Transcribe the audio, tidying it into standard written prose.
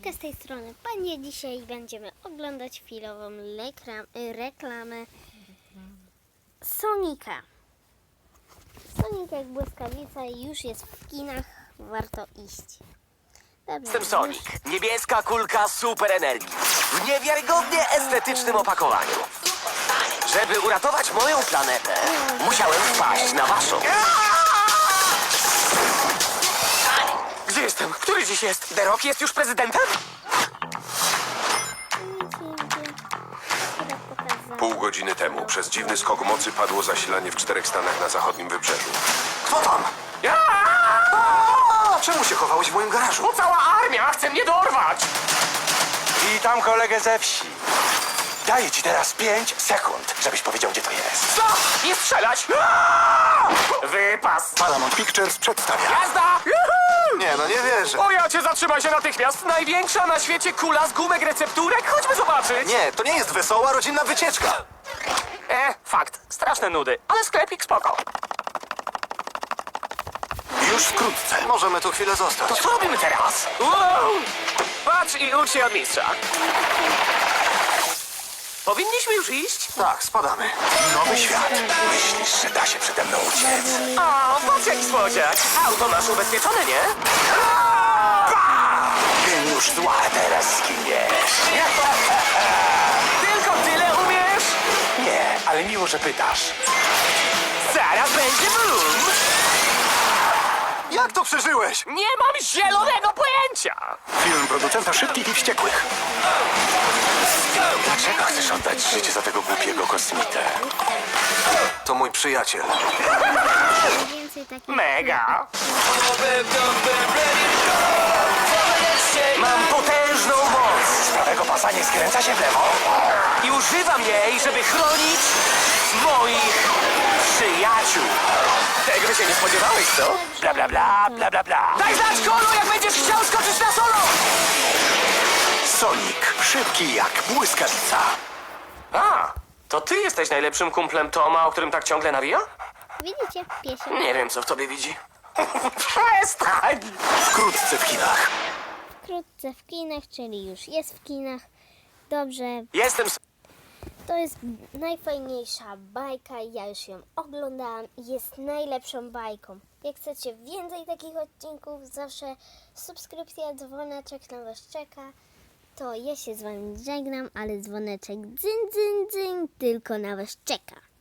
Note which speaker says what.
Speaker 1: Siemaneczka, z tej strony Panie. Dzisiaj będziemy oglądać chwilową reklamę Sonika. Sonic jak błyskawica już jest w kinach, warto iść. Dobrze,
Speaker 2: Jestem Sonic. Niebieska kulka super energii. W niewiarygodnie estetycznym opakowaniu. Żeby uratować moją planetę, musiałem wpaść na waszą. Gdzie jestem? Który dziś jest? The Rock jest już prezydentem?
Speaker 3: Pół godziny temu przez dziwny skok mocy padło zasilanie w 4 stanach na zachodnim wybrzeżu.
Speaker 4: Kto tam? Czemu się chowałeś w moim garażu?
Speaker 2: Bo cała armia chce mnie dorwać!
Speaker 4: Witam kolegę ze wsi. Daję ci teraz 5 sekund, żebyś powiedział, gdzie to jest.
Speaker 2: Co? Nie strzelać! Wypas!
Speaker 4: Paramount Pictures przedstawia.
Speaker 2: Jazda!
Speaker 4: Nie, no nie wierzę.
Speaker 2: O ja cię, zatrzymaj się natychmiast! Największa na świecie kula z gumek recepturek? Chodźmy zobaczyć!
Speaker 4: Nie, to nie jest wesoła, rodzinna wycieczka.
Speaker 2: Fakt. Straszne nudy, ale sklepik spoko.
Speaker 4: Już wkrótce. Możemy tu chwilę zostać.
Speaker 2: To co robimy teraz? Wow! Patrz i ucz się od mistrza. Powinniśmy już iść?
Speaker 4: Tak, spadamy. Nowy świat. Myślisz, że da się przede mną uciec?
Speaker 2: O, patrz jaki słodziak. Auto masz ubezpieczone, nie?
Speaker 4: Geniusz zła, teraz zginiesz.
Speaker 2: Tylko tyle umiesz?
Speaker 4: Nie, ale miło, że pytasz.
Speaker 2: Zaraz będzie boom!
Speaker 4: Jak to przeżyłeś?
Speaker 2: Nie mam zielonego pojęcia!
Speaker 4: Film producenta Szybkich i Wściekłych. Dlaczego chcesz oddać życie za tego głupiego kosmitę? To mój przyjaciel.
Speaker 1: więcej takich
Speaker 2: Mega! Mam potężną moc!
Speaker 4: Z prawego pasa nie skręca się w lewo.
Speaker 2: I używam jej, żeby chronić moich przyjaciół. Tego się nie spodziewałeś, co?
Speaker 4: Bla, bla, bla, bla, bla, bla.
Speaker 2: Daj znać, Kolu, jak będziesz chciał skoczyć na solo!
Speaker 4: Sonic, szybki jak błyskawica.
Speaker 2: A, to ty jesteś najlepszym kumplem Toma, o którym tak ciągle nawija?
Speaker 1: Widzicie? Piesio.
Speaker 2: Nie wiem, co w tobie widzi. Przestań!
Speaker 4: Wkrótce w kinach.
Speaker 1: Wkrótce w kinach, czyli już jest w kinach. Dobrze,
Speaker 2: Jestem...
Speaker 1: to jest najfajniejsza bajka, ja już ją oglądałam i jest najlepszą bajką. Jak chcecie więcej takich odcinków, zawsze subskrypcja, dzwoneczek na was czeka. To ja się z wami żegnam, ale dzwoneczek dzyn, dzyn, dzyn, tylko na was czeka.